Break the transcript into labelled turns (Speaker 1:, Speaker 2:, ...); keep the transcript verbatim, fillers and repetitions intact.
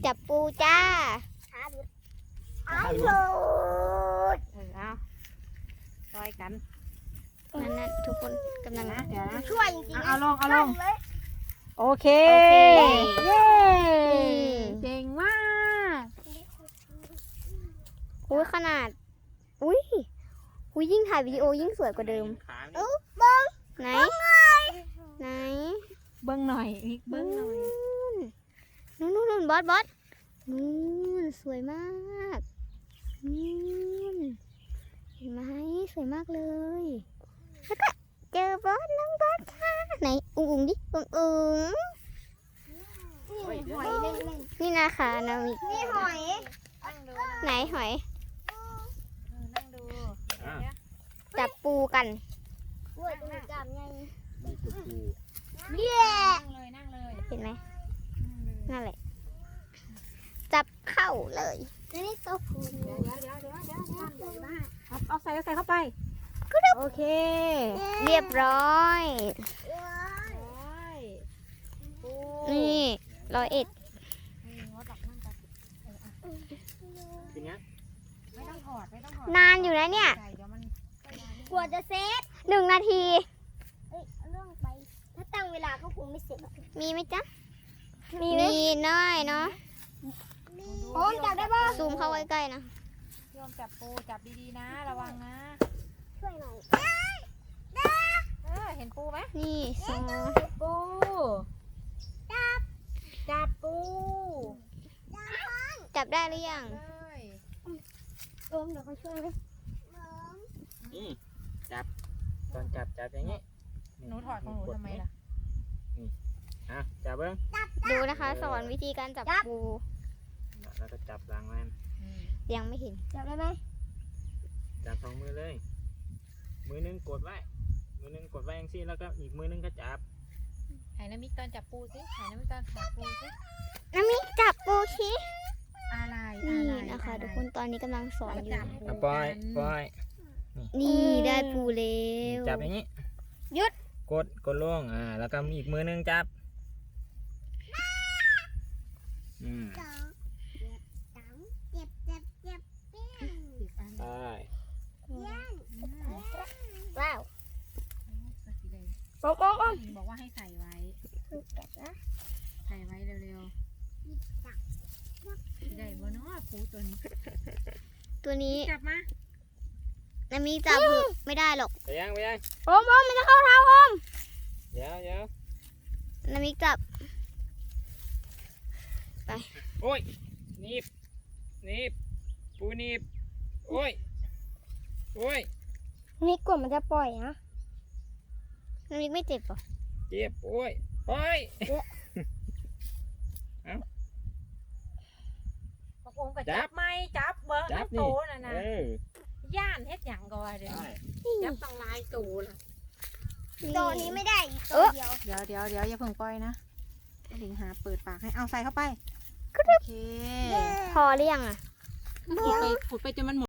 Speaker 1: จับปูจ้า
Speaker 2: เอาหลุด
Speaker 3: เออเอาซอยกัน
Speaker 1: นั่นนั่นทุกคนกำลัง
Speaker 3: นะเดี๋ยวนะ
Speaker 2: ช่วยจริงๆ
Speaker 3: เอาลงเอาลง
Speaker 2: เลย
Speaker 3: โอเค
Speaker 1: โอเค
Speaker 3: เย้เก่งมาก
Speaker 1: อุ้ยขนาดอุ้ยอุ้ยยิ่งถ่ายวิดีโอยิ่งสวยกว่าเดิม
Speaker 2: เอ้าบ้อง
Speaker 1: ไหนไหน
Speaker 3: เบิ้งหน่อยอีกเบิ้งหน่อย
Speaker 1: นู่นนู่นนู่นบอสบอสนู่นสวยมากนู่นเห็นไหมสวยมากเลยแล้วก็เจอบอสน้องบอสค่ะไหนอุ้งอุ้งดิอุ้งอุ้ง
Speaker 2: นี่หอยเล่น
Speaker 1: นี่นะคะนามิ
Speaker 2: ๆนี่หอย
Speaker 3: นั่งดู
Speaker 1: ไหนหอย
Speaker 3: นั่งดู
Speaker 1: จับปูกัน
Speaker 2: กล้วยตัวจับไง
Speaker 4: นี่คือปู
Speaker 2: เย้
Speaker 3: นั่งเลยนั่งเลย
Speaker 1: เห็นไหมนั่นแหละ จับเข้าเลย
Speaker 2: นี่ตัวผู
Speaker 3: เดี๋ยวเดี๋ยวเดี๋ยวเดี๋ยวเดี๋ยว
Speaker 2: ทำเลยมาก
Speaker 3: เอาเอาใส่เอาใส่เข้าไปโอเค
Speaker 1: เรียบร้อย
Speaker 3: ปู
Speaker 1: นี่ร้อยเอ็ด
Speaker 3: นี่งดออกนั่งกันเอออ่ะ
Speaker 4: คือเนี้ย
Speaker 3: ไม่ต้องถอดไม่ต้องถอด
Speaker 1: นานอยู่นะเนี่ย
Speaker 3: ใส่เดี๋ยวมัน
Speaker 2: กลัวจะเซต
Speaker 1: หนึ่งนาที
Speaker 2: เอ้ยเอาเรื่องไป ถ้าตั้งเวลาก็คงไม่เสร็จหรอก
Speaker 1: มีไหมจ๊ะ มีน้อยเนาะ
Speaker 2: โอ้ยจับได้ป่ะ
Speaker 1: ซูมเข้าใกล้ๆนะ
Speaker 3: โยมจับปูจับดีๆนะระวังนะ
Speaker 2: ช่วยหน่อย
Speaker 3: เออเห็นปูไหม
Speaker 1: นี่สอง
Speaker 3: ปูจับจับปู
Speaker 1: จับได้หรือยัง
Speaker 3: เลย
Speaker 2: โอมเดี๋ยวเขาช่วยไหม
Speaker 4: อืมจับตอนจับจับอย่างนี้
Speaker 3: หนูถอดของหนูทำไมล่ะ
Speaker 4: อ่ะจับเบิ้ง
Speaker 1: ดูนะคะ สอนวิธีการจับปู
Speaker 4: แล้วก็จับหลังมัน
Speaker 1: ยังไม่เห็น
Speaker 2: จับได้ไหม
Speaker 4: จับสองมือเลย มือหนึงกดไว้มือหนึงกดไว้อย่างซี่แล้วก็อีกมือหนึงก็จับ
Speaker 3: ถ่ายน้ำมิกตอนจับปูสิถ่ายน้ำมิกตอนจับปูสิ
Speaker 1: น้ำมิจับปูชิ
Speaker 3: อะไร
Speaker 1: นี่
Speaker 3: อะไร
Speaker 1: นะคะ
Speaker 3: อะไร
Speaker 1: ทุกคนตอนนี้กำลังสอนอยู่
Speaker 3: จับ
Speaker 4: อ่ะปล่อยปล่อย
Speaker 1: นี่ได้ปูแล้ว
Speaker 4: จับอย่างนี้
Speaker 1: หยุด
Speaker 4: กดกดลงอ่าแล้วก็อีกมือหนึงจับอืม
Speaker 2: สองเจ็บสามเจ็บเจ็บเจ็บเปี้ยน
Speaker 3: สิบอัน
Speaker 4: ไป
Speaker 2: เปี้ยน
Speaker 3: อืม
Speaker 2: ว้าว
Speaker 3: สักทีเลย
Speaker 2: โอ้โอ้โอ้
Speaker 3: บอกว่าให้ใส่ไว้
Speaker 2: จับนะ
Speaker 3: ใส่ไว้เร็วๆได้บ่เนาะปูตัวนี้
Speaker 1: ตัวนี้
Speaker 3: จับมา
Speaker 1: น้ำมิจับเถอะไม่ได้หรอก
Speaker 4: ไปยังไปยัง
Speaker 1: โอมโอมมันจะเข้าเท้าโอม
Speaker 4: เดี๋ยวเดี๋ยว
Speaker 1: น้ำมิจับ
Speaker 4: โอ้ยหนีบหนีบปูหนีบโอ้ยโอ้ย
Speaker 2: นี่กลัวมันจะปล่อยนะ
Speaker 1: น้ำมิไม่เจ็บเหรอ
Speaker 4: เจ็บโอ้ยโอ้ย
Speaker 3: ปะโกงก็จับไหมจับเบิ้ง
Speaker 4: จับ
Speaker 3: น้ำโต
Speaker 4: นี่
Speaker 3: น่ะนะ
Speaker 4: เออย่
Speaker 3: านเฮ็ดหยังก่อนเดี๋ยว
Speaker 4: ได้
Speaker 3: จับต้องลายตูล่ะ
Speaker 2: ตัวนี้ไม่ได้อีกตัวเดียว
Speaker 3: เดี๋ยวเดี๋ยวเดี๋ยวอย่าเพิ่งปล่อยนะลิงหาเปิดปากให้เอาใส่เข้าไปโอเค
Speaker 1: พอหรือยังอ่ะ
Speaker 3: ขุดไปขุดไปจนมันหมด